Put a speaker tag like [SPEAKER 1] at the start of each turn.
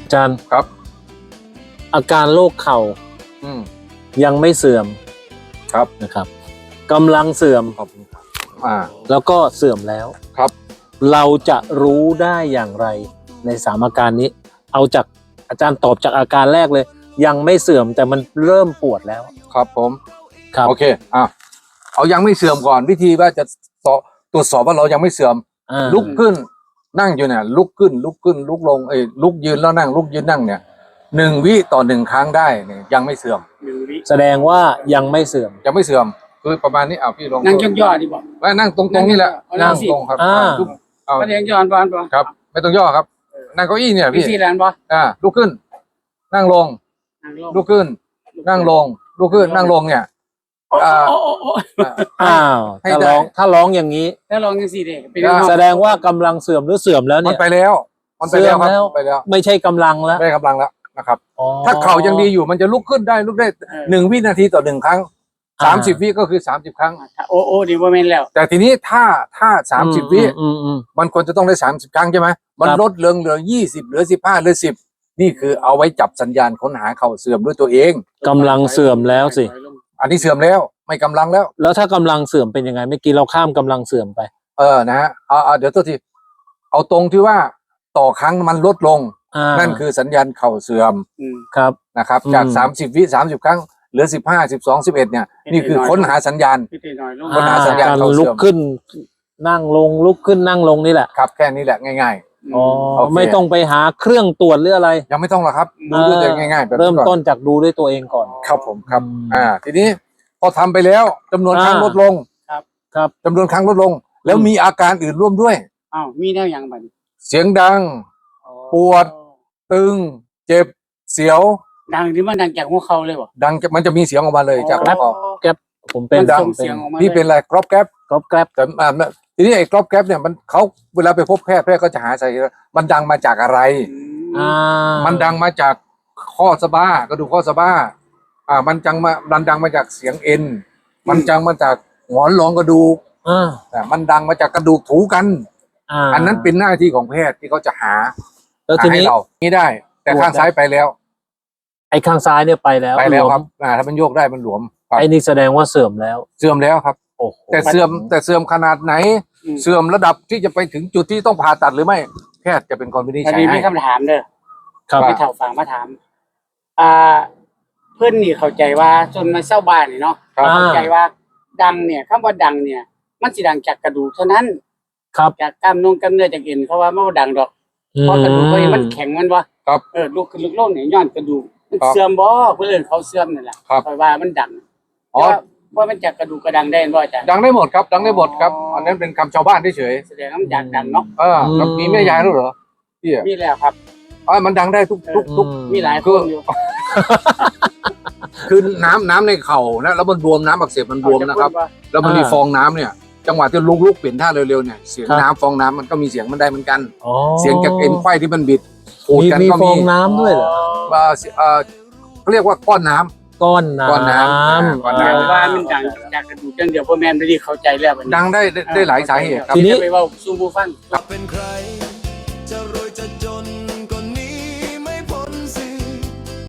[SPEAKER 1] อาจารย์
[SPEAKER 2] ครับ
[SPEAKER 1] อาการโรคเข่ายังไม่เสื่อม
[SPEAKER 2] ครับ
[SPEAKER 1] นะครับกำลังเสื่อม
[SPEAKER 2] ครับ
[SPEAKER 1] แล้วก็เสื่อมแล้ว
[SPEAKER 2] ครับ
[SPEAKER 1] เราจะรู้ได้อย่างไรใน3อาการนี้เอาจากอาจารย์ตอบจากอาการแรกเลยยังไม่เสื่อมแต่มันเริ่มปวดแล้ว
[SPEAKER 2] ครับผม
[SPEAKER 1] ครับ
[SPEAKER 2] โอเคเอายังไม่เสื่อมก่อนวิธีว่าจะตรวจสอบว่าเรายังไม่เสื่อมลุกขึ้นนั่งอยู่เนี่ยลุกขึ้นลุกลงลุกยืนแล้วนั่งลุกยืนนั่งเนี่ย1 วิต่อ 1 ครั้งได้เนี่ยยังไม่เสื่อม
[SPEAKER 3] 1 วิ
[SPEAKER 1] แสดงว่ายังไม่เสื่อม
[SPEAKER 2] ยังไม่เสื่อมคือประมาณนี้พี่ลอง
[SPEAKER 3] นั่งย่อๆดีบ่
[SPEAKER 2] ว่านั่งตรงๆนี่แหละนั่งตรงครับ
[SPEAKER 3] ก็เลี้ยงย้อนบ่
[SPEAKER 2] ครับไม่ต้องย่อครับนั่งเก้าอี้เนี่ยพี่
[SPEAKER 3] ที่ร้านบ่
[SPEAKER 2] ลุกขึ้นนั่งลงลุกขึ้นนั่งลงลุกขึ้นนั่งลงเนี่ย
[SPEAKER 1] ถ้าร้องอย่างนี้
[SPEAKER 3] ถ้าร้องจังซี่เด้
[SPEAKER 1] แสดงว่ากำลังเสื่อมหรือเสื่อมแล้วเนี่ย
[SPEAKER 2] มันไปแล้วครับไปแล้ว
[SPEAKER 1] ไม่ใช่กำลังแล้ว
[SPEAKER 2] ไม่กำลังแล้วนะครับถ้าเข่ายังดีอยู่มันจะลุกขึ้นได้ลุกได้1 วินาทีต่อ 1 ครั้ง30 วิก็คือ30 ครั้ง
[SPEAKER 3] ดีบ่แม่นแล้ว
[SPEAKER 2] แต่ทีนี้ถ้า30 วิมันควรจะต้องได้30 ครั้งใช่ไหมมันลดเหลือ20เหลือ15เหลือ10นี่คือเอาไว้จับสัญญาณค้นหาเข่าเสื่อมด้วยตัวเอง
[SPEAKER 1] กำลังเสื่อมแล้วสิ
[SPEAKER 2] อันนี้เสื่อมแล้วไม่กำลังแล้ว
[SPEAKER 1] ถ้ากำลังเสื่อมเป็นยังไงเมื่อกี้เราข้ามกำลังเสื่อมไป
[SPEAKER 2] นะฮะเดี๋ยวตัวทีเอาตรงที่ว่าต่อครั้งมันลดลงนั่นคือสัญญาณเข่าเสื่อม
[SPEAKER 1] ครับ
[SPEAKER 2] นะครับจาก30 วิ30 ครั้งเหลือ15 12 11เนี่ยนี่คือค้นหาสัญญาณ
[SPEAKER 1] ค้นหาสัญญาณการลุกขึ้นนั่งลงลุกขึ้นนั่งลงนี่แหละ
[SPEAKER 2] ครับแค่นี้แหละง่าย
[SPEAKER 1] ๆไม่ต้องไปหาเครื่องตรวจหรืออะไร
[SPEAKER 2] ยังไม่ต้องหรอกครับดูด้วยตัวเองง่ายๆ
[SPEAKER 1] เริ่มต้นจากดูด้วยตัวเองก่อน
[SPEAKER 2] ครับผมครับทีนี้พอทำไปแล้วจำนวนครั้งลดลง
[SPEAKER 1] ครับ
[SPEAKER 2] จำนวนครั้งลดลงแล้วมีอาการอื่นร่วมด้วย
[SPEAKER 3] มีแนวอย่างบัด
[SPEAKER 2] เสียงดังปวดตึงเจ็บเสียว
[SPEAKER 3] ดังที่มันดังจากหัวเข่าเลยบ่
[SPEAKER 2] ดังมันจะมีเสียงออกมาเลยจาก
[SPEAKER 1] แก๊บผมเป็น
[SPEAKER 2] ดังนี่เป็นอะไรกรอบแก๊บแต่ทีนี้ไอ้กรอบแก๊บเนี่ยมันเขาเวลาไปพบแพทย์ก็จะหาสาเหตุมันดังมาจากอะไรมันดังมาจากข้อสะบ้ากระดูกข้อสะบ้ามันดังมาจากเสียงเอ็นมันดังมาจากหงอนรองกระดูกแต่มันดังมาจากกระดูกถูกันอันนั้นเป็นหน้าที่ของแพทย์ที่เขาจะหาให้เรานี่ได้แต่ข้างซ้ายไปแล้ว
[SPEAKER 1] ไอ้ข้างซ้ายเนี่ยไปแล้ว
[SPEAKER 2] ครับถ้ามันโยกได้มันหลวม
[SPEAKER 1] ไอ้นี่แสดงว่าเสื่อมแล้ว
[SPEAKER 2] ครับแต่เสื่อมขนาดไหนเสื่อมระดับที่จะไปถึงจุดที่ต้องผ่าตัดหรือไม่แพทย์จะเป็นคนวินิจฉัยให้
[SPEAKER 3] มีคำถามเด้อไปเถ่าฟังมาถามเพื่อนนี่เข้าใจว่าจนมาเศร้าบ้านนี่เนาะเข้าใจว่าดังเนี่ยคำว่าดังเนี่ยมันสิดังจากกระดูกเท่านั้นจากกล้ามเนื้อจากเอ็นเขาว่าไม่ดังดอกเพราะกระดูกมันแข็งมันวะลูกขึ้นลูกลงเนี่ยย้อนกระดูกมันเสื่อมบ่เพื่อนเขาเสื่อมนั่นแหละเพราะว่ามันดังว่ามันจากกระดูกกระดังได้บ่อาจารย์
[SPEAKER 2] ดังได้หมดครับดังได้หมดครับอันนั้นเป็นคำชาวบ้านเฉย
[SPEAKER 3] แสดงว่ามันดังเนาะ
[SPEAKER 2] แล้วมีแม่ยายด้วยเหรอพี่
[SPEAKER 3] มีแล้วครับ
[SPEAKER 2] มันดังได้ทุก
[SPEAKER 3] มีหลายคนอยู่
[SPEAKER 2] คือน้ำในเข่านะแล้วมันบวมน้ำอักเสบมันบวมนะครับแล้วมันมีฟองน้ำเนี่ยจังหวะที่ลุกเปลี่ยนท่าเร็วๆเนี่ยเสียงน้ำฟองน้ำมันก็มีเสียงมันได้เหมือนกันเสียงจากเอ็นไขว้ที่มันบิด
[SPEAKER 1] ขูดกันก็มีฟองน้ำด้วยเหรอ
[SPEAKER 2] เขาเรียกว่าก้อนน้ำ
[SPEAKER 1] ก้อนน้ำ
[SPEAKER 3] ว่ามันดังจากกระดูกจังเดียวพ่อแม่ไม่ได้เข้าใจแล้ว
[SPEAKER 2] ดังได้หลายสาเหตุ
[SPEAKER 3] ทีนี้ไปว่าซูบูฟัง
[SPEAKER 4] เป็นใคร